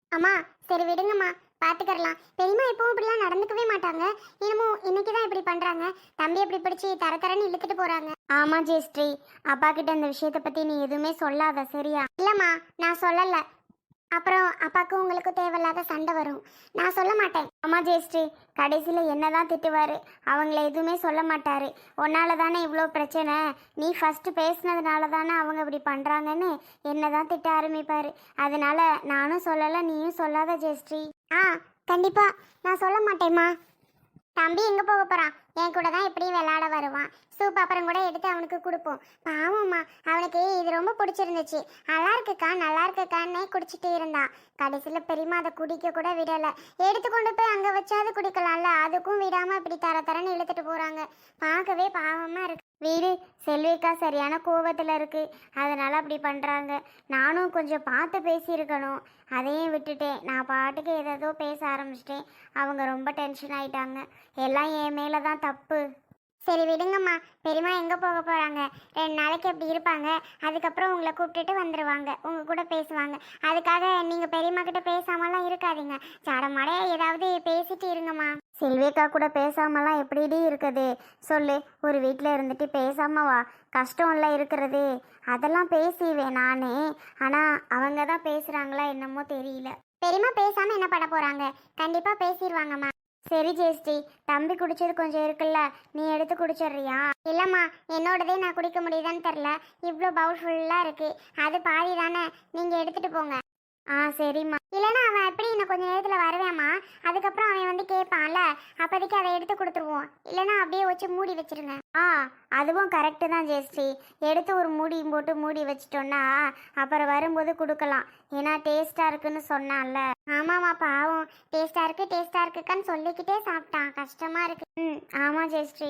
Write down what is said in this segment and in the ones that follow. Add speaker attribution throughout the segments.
Speaker 1: அம்மா சரி விடுங்கம்மா, பாத்துக்கறலாம். பெரியம்மா எப்பவும் இப்படிலாம் நடந்துக்கவே மாட்டாங்க. என்னமோ இன்னைக்குதான் இப்படி பண்றாங்க. தம்பி எப்படி பிடிச்சி தர தரன்னு இழுத்துட்டு போறாங்க. ஆமா ஜெயஸ்ரீ, அப்பா கிட்ட இந்த விஷயத்தை பத்தி நீ எதுவுமே சொல்லாத சரியா? இல்லம்மா, நான் சொல்லல. அப்புறம் அப்பாவுக்கும் உங்களுக்கும் தேவையில்லாத சண்டை வரும். நான் சொல்ல மாட்டேன். அம்மா ஜெயஸ்ரீ, கடைசியில் என்னதான் திட்டுவார், அவங்கள எதுவுமே சொல்ல மாட்டார். உன்னால தானே இவ்வளோ பிரச்சனை, நீ ஃபஸ்ட்டு பேசுனதுனால தானே அவங்க இப்படி பண்ணுறாங்கன்னு என்ன தான் திட்ட ஆரம்பிப்பார். அதனால நானும் சொல்லலை, நீயும் சொல்லாத ஜெயஸ்ரீ. ஆ, கண்டிப்பாக நான் சொல்ல மாட்டேம்மா. தம்பி எங்கே போக போகிறான்? என் கூட தான் எப்படியும் விளையாட வருவான். சூப் அப்புறம் கூட எடுத்து அவனுக்கு கொடுப்போம். பாவம்மா, அவனுக்கு இது ரொம்ப பிடிச்சிருந்துச்சு. நல்லா இருக்குக்கா நல்லா இருக்குக்கான்னே குடிச்சிட்டு இருந்தான். கடைசியில் பெரியம்மா அதை குடிக்க கூட விடலை. எடுத்து கொண்டு போய் அங்கே வச்சாது குடிக்கலாம்ல, அதுக்கும் விடாமல் இப்படி தர தரன்னு இழுத்துட்டு போகிறாங்க. பார்க்கவே பாவமாக இருக்கு. வீடு செல்விக்கா சரியான கோவத்தில் இருக்கு, அதனால அப்படி பண்ணுறாங்க. நானும் கொஞ்சம் பார்த்து பேசியிருக்கணும், அதையும் விட்டுட்டேன். நான் பாட்டுக்கு ஏதோ பேச ஆரம்பிச்சிட்டேன். அவங்க ரொம்ப டென்ஷன் ஆயிட்டாங்க. எல்லாம் என் மேலே தான் தப்பு. சரி விடுங்கம்மா, பெரியம்மா எங்கே போக போகிறாங்க? 2 நாளைக்கு அப்படி இருப்பாங்க. அதுக்கப்புறம் உங்களை கூப்பிட்டுட்டு வந்துடுவாங்க, உங்கள் கூட பேசுவாங்க. அதுக்காக நீங்கள் பெரியம்மா கிட்ட பேசாமலாம் இருக்காதீங்க. ஜடமாடைய ஏதாவது பேசிட்டு இருங்கம்மா. செல்விக்கா கூட பேசாமலாம் எப்படிடி இருக்குது சொல்லு? ஒரு வீட்டில் இருந்துட்டு பேசாம வா, கஷ்டம்ல இருக்கிறது. அதெல்லாம் பேசிவேன் நானே, ஆனால் அவங்க தான் பேசுகிறாங்களா என்னமோ தெரியல. பெரியம்மா பேசாமல் என்ன பண்ண போகிறாங்க? கண்டிப்பாக பேசிடுவாங்கம்மா. சரி ஜெயஸ்ரீ, தம்பி குடிச்சது கொஞ்சம் இருக்குல்ல, நீ எடுத்து குடிச்சிடுறியா? இல்லைம்மா, என்னோடதே நான் குடிக்க முடியுதான்னு தெரில. இவ்வளோ பவுல் ஃபுல்லாக இருக்கு, அது பாதி தானே, நீங்கள் எடுத்துகிட்டு போங்க. ஆ சரிம்மா. இல்லைன்னா அவன் எப்படி இன்னும் கொஞ்சம் நேரத்தில் வருவேம்மா, அதுக்கப்புறம் அவன் வந்து கேட்பான்ல, அப்போதைக்கு அதை எடுத்து கொடுத்துருவோம். இல்லைன்னா அப்படியே வச்சு மூடி வச்சிருங்க. ஆ, அதுவும் கரெக்டு தான் ஜெயஸ்ரீ. எடுத்து ஒரு மூடியும் போட்டு மூடி வச்சிட்டோன்னா அப்புறம் வரும்போது கொடுக்கலாம். ஏன்னா டேஸ்ட்டாக இருக்குன்னு சொன்னான்ல. ஆமாம்மா, பாவம் டேஸ்ட்டாக இருக்குக்கான்னு சொல்லிக்கிட்டே சாப்பிட்டான். கஷ்டமாக இருக்கு. ம், ஆமாம் ஜெயஸ்ரீ.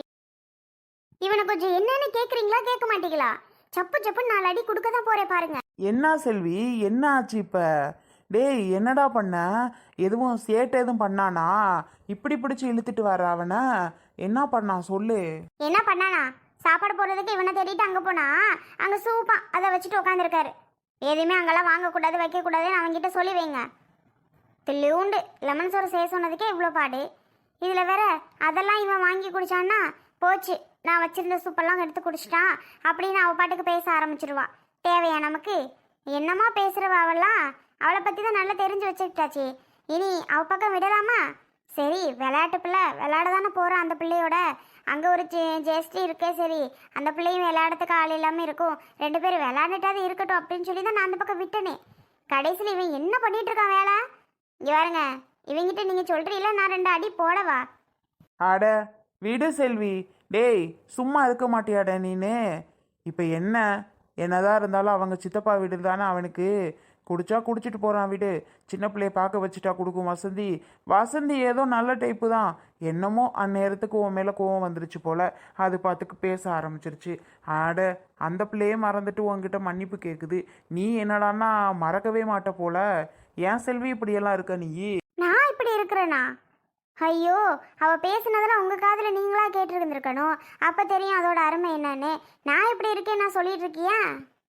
Speaker 1: இவனை கொஞ்சம் என்னன்னு கேட்குறீங்களா கேட்க மாட்டீங்களா? சப்பு சப்புன்னு 4 அடி கொடுக்க தான் போகிறேன் பாருங்க.
Speaker 2: என்ன செல்வி, என்ன ஆச்சு இப்போ? டேய், என்னடா பண்ண? எதுவும் சேட்டை எதுவும் பண்ணானா? இப்படி பிடிச்சி இழுத்துட்டு வர அவனை என்ன பண்ணான் சொல்லு.
Speaker 1: என்ன பண்ணானா? சாப்பாடு போடுறதுக்கு இவனை தேடிட்டு அங்கே போனா, அங்கே சூப்பா அதை வச்சுட்டு உட்காந்துருக்காரு. எதுவுமே அங்கெல்லாம் வாங்கக்கூடாது வைக்கக்கூடாதுன்னு அவங்ககிட்ட சொல்லி வைங்க. தில்லியூண்டு லெமன் சோறு செய்ய சொன்னதுக்கே இவ்வளோ பாடு. இதில் வேற அதெல்லாம் இவன் வாங்கி குடிச்சான்னா போச்சு, நான் வச்சிருந்த சூப்பெல்லாம் எடுத்து குடிச்சிட்டான் அப்படின்னு அவள் பாட்டுக்கு பேச ஆரம்பிச்சிருவா. தேவையா நமக்கு? என்னமா பேசுகிறவ அவெல்லாம்? அவளை பற்றி தான் நல்லா தெரிஞ்சு வச்சுக்கிட்டாச்சு, இனி அவள் பக்கம் விடலாமா? சரி, விளையாட்டு பிள்ளை விளையாட தானே போகிறான் அந்த பிள்ளையோட. அங்கே ஒரு ஜெயஸ்ரீ இருக்கே, சரி அந்த பிள்ளையும் விளையாடுறதுக்கு ஆள் இல்லாமல் இருக்கும், 2 பேரும் விளையாண்டுட்டாது இருக்கட்டும் அப்படின்னு சொல்லி தான் நான் அந்த பக்கம் விட்டனே. கடைசியில் இவன் என்ன பண்ணிட்டு இருக்கான் வேலை? இங்கே பாருங்க, இவங்கிட்ட நீங்கள் சொல்கிறீங்களா, நான் 2 அடி போடவா?
Speaker 2: அட விடு செல்வி. டேய், சும்மா இருக்க மாட்டியாட நீனு? இப்போ என்னதான் இருந்தாலும் அவங்க சித்தப்பா வீடு தானே அவனுக்கு. குடிச்சா குடிச்சிட்டு போகிறான் விடு. சின்ன பிள்ளைய பார்க்க வச்சுட்டா கொடுக்கும் வசந்தி. வசந்தி ஏதோ நல்ல டைப்பு தான். என்னமோ அந்நேரத்துக்கு உன் மேலே கோவம் வந்துருச்சு போல, அது பார்த்துக்கு பேச ஆரம்பிச்சிருச்சு. ஆட, அந்த பிள்ளையே மறந்துட்டு உன்கிட்ட மன்னிப்பு கேட்குது. நீ என்னடான்னா மறக்கவே மாட்ட போல. ஏன் செல்வி இப்படியெல்லாம் இருக்க நீ?
Speaker 1: நான் இப்படி இருக்கிறேனா? ஐயோ, அவள் பேசுனதெல்லாம் உங்கள் காதில் நீங்களாக கேட்டுருந்துருக்கணும். அப்போ தெரியும் அதோட அருமை என்னன்னு. நான் இப்படி இருக்கேன் நான் சொல்லிட்டு இருக்கியா?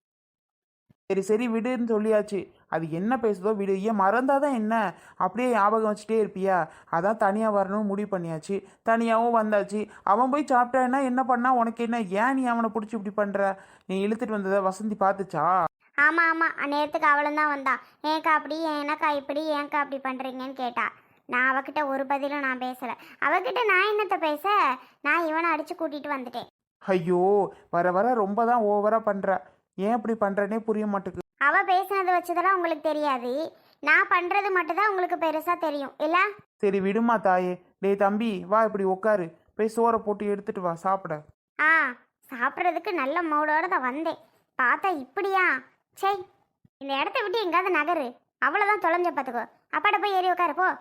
Speaker 2: சரி சரி விடுன்னு சொல்லியாச்சு. அது என்ன பேசுதோ விடு. ஏன் மறந்தாதான் என்ன, அப்படியே ஞாபகம் வச்சுட்டே இருப்பியா? அதான் தனியாக வரணும்னு முடிவு பண்ணியாச்சு, தனியாகவும் வந்தாச்சு. அவன் போய் சாப்பிட்டான்னா என்ன பண்ணா உனக்கு என்ன? ஏன் நீ அவனை பிடிச்சி இப்படி பண்ணுற? நீ இழுத்துட்டு வந்ததை வசந்தி பார்த்துச்சா?
Speaker 1: ஆமாம் ஆமாம், அந்நேரத்துக்கு அவளும் தான் வந்தான். ஏன்க்கா அப்படி, ஏனக்கா இப்படி, ஏன்க்கா அப்படி பண்ணுறீங்கன்னு கேட்டா. நான் அவகிட்ட ஒரு பதிலும் நான் பேசலை. அவகிட்ட நான் என்னத்தை பேச? நான் இவனை அடித்து கூட்டிகிட்டு வந்துட்டேன்.
Speaker 2: ஐயோ, வர வர ரொம்ப தான் ஓவராக பண்ணுற. ஏன் இப்படி பண்ணுறனே புரிய மாட்டேங்குது.
Speaker 1: அவள் பேசுனது வச்சதெல்லாம் உங்களுக்கு தெரியாது, நான் பண்ணுறது மட்டும்தான் உங்களுக்கு பெருசாக தெரியும் இல்லை?
Speaker 2: சரி விடுமா தாயே. டேய் தம்பி, வா இப்படி உட்காரு, போய் சோறை போட்டு எடுத்துட்டு வா சாப்பிட.
Speaker 1: ஆ, சாப்பிட்றதுக்கு நல்ல மூடோட தான் வந்தேன், பார்த்தா இப்படியா? சரி, இந்த இடத்த விட்டு எங்காவது நகரு, அவ்வளோதான் தொலைஞ்ச பார்த்துக்கோ. அப்பாட்ட போய் ஏறி உட்காரு போ.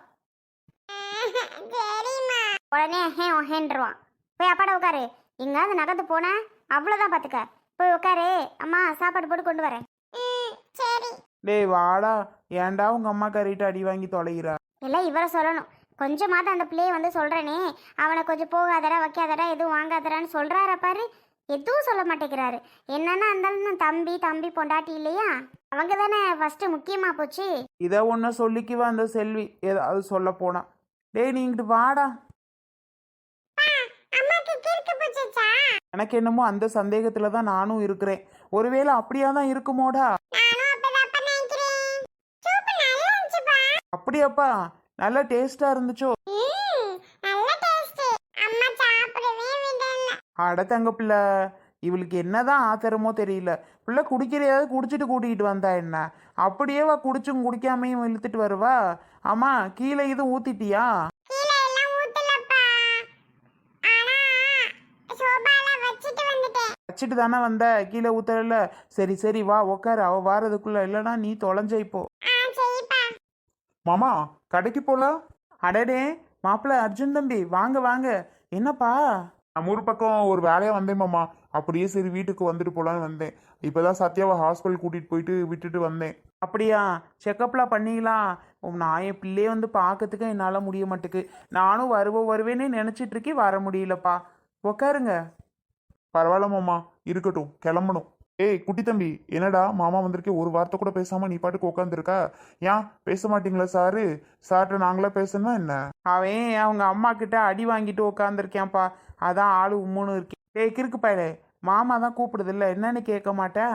Speaker 1: உடனே ஹேன்றுவான். போய் அப்பாட உட்காரு. எங்காவது நகர்ந்து போன அவ்வளோதான் பார்த்துக்க. போய் உட்காரு, அம்மா சாப்பாடு போட்டு கொண்டு வரேன். சரி.
Speaker 2: டேய் வாடா, ஏன்டா உங்க அம்மா கறிட்டு அடி வாங்கி தொலைகிறா?
Speaker 1: எல்லாம் இவரை சொல்லணும். கொஞ்சமாவது அந்த பிள்ளையை வந்து சொல்கிறேனே, அவனை கொஞ்சம் போகாதடா வைக்காதடா எதுவும் வாங்காதடான்னு சொல்கிறார பாரு, எதுவும் சொல்ல மாட்டேங்கிறாரு. என்னன்னா இருந்தாலும் தம்பி பொண்டாட்டி இல்லையா? அவங்க தானே ஃபர்ஸ்ட் முக்கியமா போச்சு.
Speaker 2: இதை ஒன்று சொல்லிக்குவா அந்த செல்வி ஏதாவது சொல்ல போனா. டேய் நீ இங்கிட்டு வாடா.
Speaker 1: அம்மாக்கு கிறுக்கு போச்சுச்சா?
Speaker 2: எனக்கு என்னமோ அந்த சந்தேகத்துல தான் நானும் இருக்கிறேன். ஒருவேளை அப்படியா தான் இருக்குமோடா.
Speaker 1: நானும் அப்பதான் நினைக்கிறேன். சூப்பு நல்லா இருந்துச்சுப்பா.
Speaker 2: அப்படியாப்பா? நல்ல டேஸ்டா இருந்துச்சோ?
Speaker 1: நல்ல டேஸ்ட். அம்மா சாப்பிடவே விடல.
Speaker 2: அட தங்க பிள்ளை, இவளுக்கு என்னதான் ஆத்திரமோ தெரியல. பிள்ளை குடிக்கிறையாவது குடிச்சிட்டு கூட்டிகிட்டு வந்தா என்ன? அப்படியே வா குடிச்சும் குடிக்காமையும் இழுத்துட்டு வருவா. ஆமா, கீழே இது ஊத்திட்டியா?
Speaker 1: கீழ எல்லாம் ஊத்தலப்பா. ஆனா சோபால வச்சிட்டு வந்துட்டேன்.
Speaker 2: வச்சுட்டு தானே வந்த, கீழே ஊத்தல. சரி சரி வா உக்காரு, அவ வாரதுக்குள்ள. இல்லைன்னா நீ தொலைஞ்ச இப்போ.
Speaker 1: சரிப்பா.
Speaker 2: மாமா கடைக்கு போலாம். அடடே மாப்பிள்ள அர்ஜுன் தம்பி, வாங்க வாங்க. என்னப்பா? நம்ம ஊர் பக்கம் ஒரு வேலையா வந்தேன் மாமா. அப்படியே சரி வீட்டுக்கு வந்துட்டு போலான்னு வந்தேன். இப்பதான் சத்யாவை ஹாஸ்பிட்டல் கூட்டிட்டு போயிட்டு விட்டுட்டு வந்தேன். அப்படியா? செக்கப்லாம் பண்ணிக்கலாம். நான் என் பிள்ளைய வந்து பார்க்கறதுக்கு என்னால் முடிய மாட்டேக்கு. நானும் வருவேன்னு நினச்சிட்டு இருக்கேன், வர முடியலப்பா. உக்காருங்க. பரவாயில்ல மாமா, இருக்கட்டும், கிளம்பணும். ஏய் குட்டி தம்பி, என்னடா மாமா வந்திருக்கே, ஒரு வார்த்தை கூட பேசாம நீ பாட்டுக்கு உட்காந்துருக்கா? ஏன் பேச மாட்டீங்களா சாரு? சார்கிட்ட நாங்களா பேசணுமா என்ன? அவன் அவங்க அம்மா கிட்ட அடி வாங்கிட்டு உட்காந்துருக்கேன்ப்பா. அதான் ஆளு உம்முன்னு இருக்கேன். ஏய் கிறுக்கு பயலே, மாமா தான் கூப்பிடுது இல்ல, என்னன்னு கேட்க மாட்டேன்.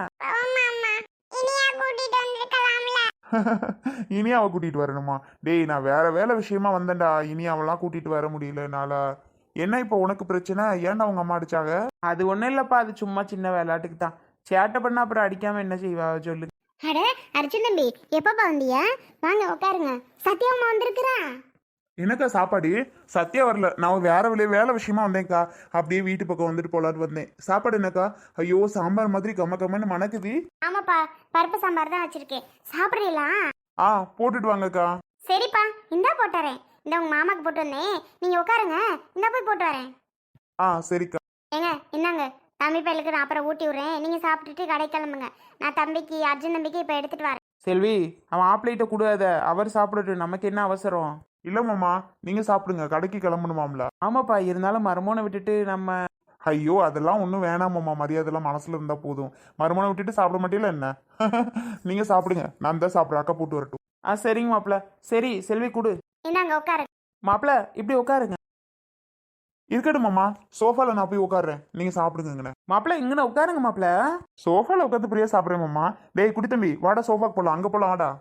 Speaker 2: இனி அவ கூட்டிட்டு வரணுமா? டேய் நான் வேற வேலை விஷயமா வந்தேன்டா. இனி அவெல்லாம் கூட்டிட்டு வர முடியல என்னால. என்ன இப்போ உனக்கு பிரச்சனை? ஏன்டா உங்க அம்மா அடிச்சாங்க? அது ஒன்றும் இல்லைப்பா, அது சும்மா சின்ன விளையாட்டுக்கு தான். சேட்டை பண்ணா அப்புறம் அடிக்காம என்ன செய்வா சொல்லு.
Speaker 1: அட அர்ஜுன் தம்பி, எப்பப்பா வந்தியா? வாங்க உட்காருங்க. சத்யாமா வந்திருக்கிறா.
Speaker 2: என்னக்கா சாப்பாடு? சத்தியா வரல, நான் வேலை விஷயமா வந்தேன்க்கா. அப்படியே வீட்டு பக்கம் வந்துட்டு போலான்னு வந்தேன். சாப்பாடு என்னக்கா? ஐயோ சாம்பார் மாதிரி கம்ம கம்மன்னு மணக்குது.
Speaker 1: ஆமாப்பா, பருப்பு சாம்பார் தான் வச்சிருக்கேன். சாப்பிட்றீங்களா?
Speaker 2: ஆ போட்டுட்டு வாங்கக்கா.
Speaker 1: சரிப்பா, இந்தா போட்டுறேன். இந்த உங்க மாமாக்கு போட்டு வந்தேன், நீங்க உட்காருங்க. இந்தா போய் போட்டு வரேன்.
Speaker 2: ஆ சரிக்கா.
Speaker 1: ஏங்க இந்தாங்க, தம்பி பையலுக்கு நான் அப்புறம் ஊட்டி விட்றேன். நீங்க சாப்பிட்டுட்டு கடை கிளம்புங்க. நான் தம்பிக்கு அர்ஜுன் தம்பிக்கு இப்போ எடுத்துட்டு வரேன்.
Speaker 2: செல்வி, அவன் ஆப்லேட்ட கூடாத, அவர் சாப்பிடட்டும், நமக்கு என்ன அவசரம்? இல்ல மாமா, நீங்க சாப்பிடுங்க, கடைக்கு கிளம்பணுமாம்ல. ஆமாப்பா, இருந்தாலும் மருமனை விட்டுட்டு நம்ம. ஐயோ அதெல்லாம் ஒன்றும் வேணாமாம்மா, மரியாதைலாம் மனசுல இருந்தா போதும். மருமனை விட்டுட்டு சாப்பிட மாட்டீங்களா என்ன? நீங்க சாப்பிடுங்க, நான் தான் சாப்பிட்றேன். அக்கா போட்டு வரட்டும். ஆ சரிங்க மாப்பிள்ள. சரி செல்வி கொடு.
Speaker 1: இந்தாங்க உட்காரு.
Speaker 2: மாப்பிள்ள இப்படி உட்காருங்க. இருக்கட்டும் மாமா, சோஃபால நான் போய் உட்காடுறேன், நீங்க சாப்பிடுங்க. மாப்பிள்ள இங்கன உட்காருங்க மாப்பிள்ள. சோஃபால உட்காந்து பிரியா சாப்பிடுறேன் மாமா. டேய் குட்டி தம்பி, வாடா சோஃபாக்கு போலாம், அங்க போலாம் வாடா.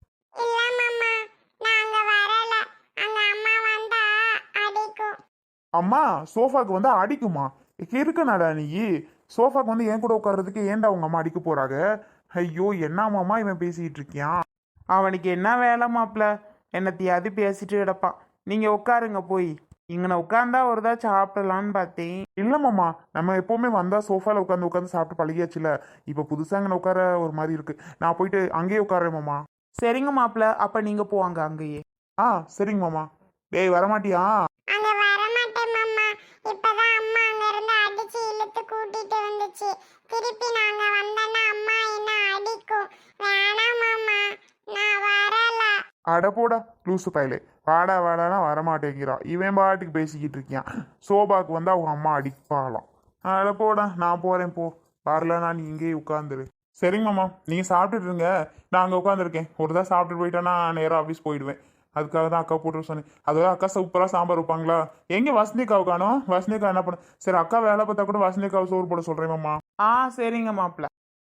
Speaker 2: அம்மா சோஃபாக்கு வந்து அடிக்குமா? இருக்கனாடா நீ? சோஃபாக்கு வந்து என் கூட உட்கார்றதுக்கு ஏன்டா உங்க அம்மா அடிக்க போறாங்க? ஐயோ என்ன மாமா இவன் பேசிட்டு இருக்கியான்? அவனுக்கு என்ன வேலை மாப்பிள்ள? என்னத்தையாவது பேசிட்டு கிடப்பான். நீங்க உட்காருங்க போய். இங்கன உட்காந்தா ஒருதா சாப்பிடலான்னு பார்த்தேன். இல்ல மாமா, நம்ம எப்பவுமே வந்தா சோஃபால உட்காந்து சாப்பிட்டு பழகியாச்சுல. இப்ப புதுசா இங்கன உட்கார ஒரு மாதிரி இருக்கு. நான் போயிட்டு அங்கேயே உட்காரேன் மாமா. சரிங்க மாப்பிள்ள, அப்ப நீங்க போவாங்க அங்கேயே. ஆ சரிங்க மாமா. டேய் வரமாட்டியா?
Speaker 1: அங்க வர மாட்டேன் மாமா. இப்பதான் அம்மா அங்க இருந்து அடிச்சு இழுத்து கூட்டிட்டு வந்துச்சு. திருப்பி நாங்க வந்தனா அம்மா என்ன அடிக்கும். வேணாம் மாமா, நான் வரல.
Speaker 2: அட போடா லூசு பயலே, வாடா வாடானா வரமாட்டேங்கிறான். இவன் பாட்டுக்கு பேசிக்கிட்டு இருக்கியான். சோபாக்கு வந்து அவங்க அம்மா அடிப்பாளாம். அட போடா, நான் போறேன் போ. வரலன்னா நீ இங்கேயே உட்காந்துரு. சரிங்க மாமா, நீங்க சாப்பிட்டுட்டு இருங்க, நான் அங்கே உட்காந்துருக்கேன். ஒரு தான் சாப்பிட்டு போயிட்டேன்னா நேராக ஆஃபீஸ் போயிடுவேன். அதுக்காக தான் அக்கா போட்டு சொன்னேன். அதாவது அக்கா சூப்பராக சாம்பார் வைப்பாங்களா? எங்கே வசந்திக்காவை காணோம்? வசந்திக்கா என்ன பண்ண? சரி அக்கா வேலை பார்த்தா கூட வசந்திக்காவை சோறு போட சொல்கிறேன் மாமா. ஆ சரிங்க மாப்பிள்ள.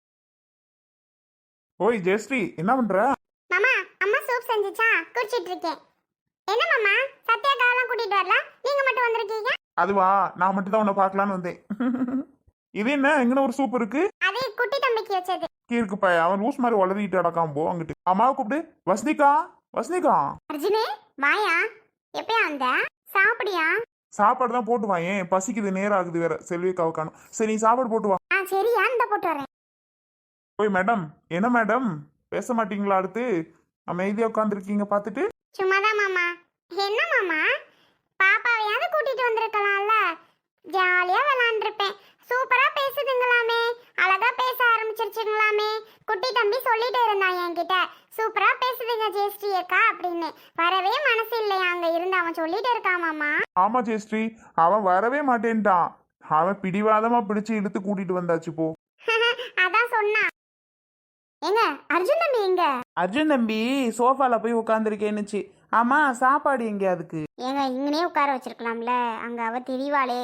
Speaker 2: ஓய் ஜெயஸ்ரீ, என்ன பண்ற?
Speaker 1: மாமா, அம்மா சூப் செஞ்சுச்சா, குடிச்சிட்டு இருக்கேன். என்ன மாமா, சத்யா காவலாம் கூட்டிட்டு வரல, நீங்க மட்டும் வந்திருக்கீங்க?
Speaker 2: அதுவா, நான் மட்டும் தான் உன்னை பார்க்கலான்னு வந்தேன். இது என்ன எங்கன ஒரு சூப் இருக்கு?
Speaker 1: அது குட்டி தம்பிக்கு வச்சது.
Speaker 2: இருக்குப்பா, அவன் லூஸ் மாதிரி வளர்த்திட்டு அடக்காம போ அங்கிட்டு. அம்மாவை கூப்பிடு. வசந்திகா, வசந்திகா.
Speaker 1: அர்ஜுனே வாயா, எப்பயா வந்த? சாப்பிடியா?
Speaker 2: சாப்பாடு தான் போட்டு வா, ஏன் பசிக்குது, நேரம் ஆகுது வேற. செல்விக்காவை காணும். சரி நீ சாப்பாடு போட்டு வா.
Speaker 1: சரியா, இந்த போட்டு வரேன்.
Speaker 2: ஓய் மேடம், என்ன மேடம் பேச மாட்டீங்களா? அடுத்து அமைதியா உட்காந்துருக்கீங்க பார்த்துட்டு.
Speaker 1: சும்மாதான் மாமா. என்ன மாமா, பாப்பாவையாவது கூட்டிட்டு வந்திருக்கலாம்ல, ஜாலியா விளையாண்டுருப்பேன். சூப்பரா பேசுதுங்களாமே, அழகா பேச ஆரம்பிச்சிருச்சுங்களாமே. குட்டி தம்பி சொல்லிட்டு இருந்தான் என்கிட்ட, சூப்பரா பேசுதுங்க ஜெயஸ்ரீ அக்கா அப்படின்னு. வரவே மனசு இல்லையா அங்க இருந்து, அவன் சொல்லிட்டு இருக்கான் மாமா.
Speaker 2: ஆமா ஜெயஸ்ரீ, அவன் வரவே மாட்டேன்ட்டான். அவன் பிடிவாதமா பிடிச்சு இழுத்து கூட்டிட்டு வந்தாச்சு போ.
Speaker 1: அதான் சொன்னான். ஏங்க அர்ஜுன் தம்பி எங்க?
Speaker 2: அர்ஜுன் தம்பி சோஃபால போய் உட்காந்துருக்கேன்னுச்சு. ஆமா, சாப்பாடு எங்க அதுக்கு?
Speaker 1: ஏங்க இங்கனே உட்கார வச்சிருக்கலாம்ல, அங்க அவ தெரியவாளே.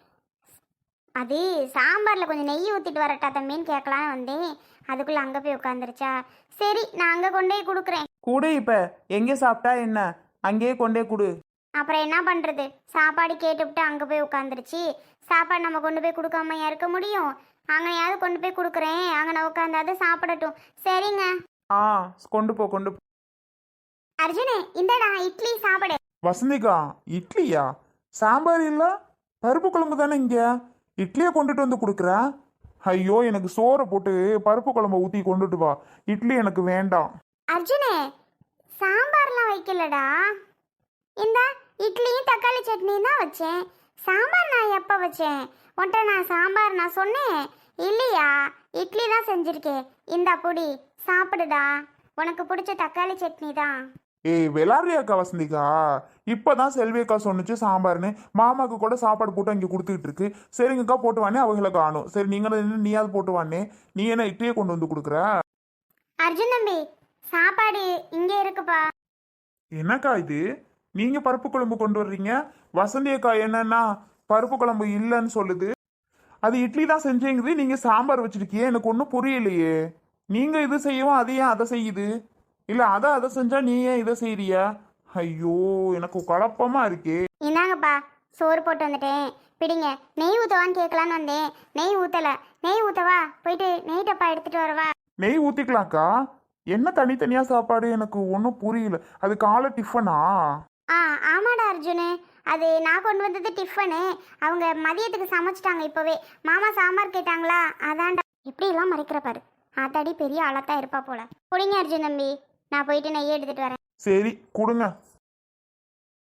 Speaker 1: அது சாம்பார்ல கொஞ்சம் நெய் ஊத்திட்டு வரட்டா தம்பின்னு கேட்கலான்னு வந்தேன். அதுக்குள்ள அங்க போய் உட்காந்துருச்சா. சரி நான் அங்க கொண்டு போய் கொடுக்குறேன்.
Speaker 2: கூடு, இப்ப எங்க சாப்பிட்டா என்ன, அங்கேயே கொண்டே கொடு.
Speaker 1: அப்புறம் என்ன பண்றது, சாப்பாடு கேட்டுவிட்டு அங்க போய் உட்காந்துருச்சு. சாப்பாடு நம்ம கொண்டு போய் கொடுக்காம இருக்க முடியும்? அங்கனையாவது கொண்டு போய் கொடுக்குறேன், அங்கே நான் உட்காந்தாது சாப்பிடட்டும். சரிங்க.
Speaker 2: ஆ, கொண்டு போ கொண்டு போ.
Speaker 1: அர்ஜுனே இந்தடா இட்லி சாப்பிடு.
Speaker 2: வசந்திகா, இட்லியா? சாம்பார் இல்ல, பருப்பு குழம்பு தானே இங்க. இட்லியை கொண்டுட்டு வந்து கொடுக்குற? ஐயோ, எனக்கு சோறை போட்டு பருப்பு குழம்ப ஊத்தி கொண்டுட்டு வா. இட்லி எனக்கு வேண்டாம்.
Speaker 1: அர்ஜுனே சாம்பார்லாம் வைக்கலடா. இந்த இட்லியும் தக்காளி சட்னியும் தான் வச்சேன். சாம்பார் நான் எப்போ வச்சேன்? உன்ட்ட நான் சாம்பார் நான் சொன்னேன் இல்லையா? இட்லி தான் செஞ்சிருக்கேன். இந்தா பொடி சாப்பிடுடா, உனக்கு பிடிச்ச தக்காளி சட்னி தான்.
Speaker 2: ஏய், விளாடுறியாக்கா வசந்திகா? இப்பதான் செல்வியக்கா சொன்னுச்சு சாம்பார்னு. மாமாக்கு கூட சாப்பாடு போட்டு இங்கே கொடுத்துக்கிட்டு இருக்கு. சரிங்கக்கா போட்டு வானே, அவங்கள காணும். சரி, நீங்க நீயாவது போட்டு வானே. நீ என்ன இட்லியை கொண்டு வந்து கொடுக்குற?
Speaker 1: அர்ஜுன் தம்பி சாப்பாடு இங்கே இருக்குப்பா.
Speaker 2: என்னக்கா இது, நீங்க பருப்பு குழம்பு கொண்டு வர்றீங்க, வசந்தி அக்கா என்னன்னா பருப்பு குழம்பு இல்லைன்னு சொல்லுது. அது இட்லி தான் செஞ்சேங்குது, நீங்க சாம்பார் வச்சிருக்கியே. எனக்கு ஒன்றும் புரியலையே. நீங்க இது செய்யவும் அது ஏன் அதை செய்யுது? இல்ல அதை செஞ்சா நீ ஏன் இதை செய்யறியா? ஐயோ, எனக்கு குழப்பமா இருக்கே.
Speaker 1: இந்தாங்கப்பா சோறு போட்டு வந்துட்டேன், பிடிங்க. நெய் ஊற்றவான்னு கேட்கலான்னு வந்தேன், நெய் ஊற்றலை. நெய் ஊற்றவா? போயிட்டு நெய் டப்பா எடுத்துட்டு வரவா?
Speaker 2: நெய் ஊத்திக்கலாம்க்கா. என்ன தனித்தனியா சாப்பாடு, எனக்கு ஒன்றும் புரியல. அது காலை டிஃபனா?
Speaker 1: ஆ ஆமாடா அர்ஜுனு, அது நான் கொண்டு வந்தது டிஃபனு. அவங்க மதியத்துக்கு சமைச்சிட்டாங்க இப்போவே. மாமா சாம்பார் கேட்டாங்களா, அதான்டா. எப்படியெல்லாம் மறைக்கிற பாரு, ஆத்தாடி பெரிய ஆளாத்தான் இருப்பா போல. குடிங்க அர்ஜுன் தம்பி, நான் போயிட்டு நெய் எடுத்துட்டு வரேன்.
Speaker 2: சரி கொடுங்க.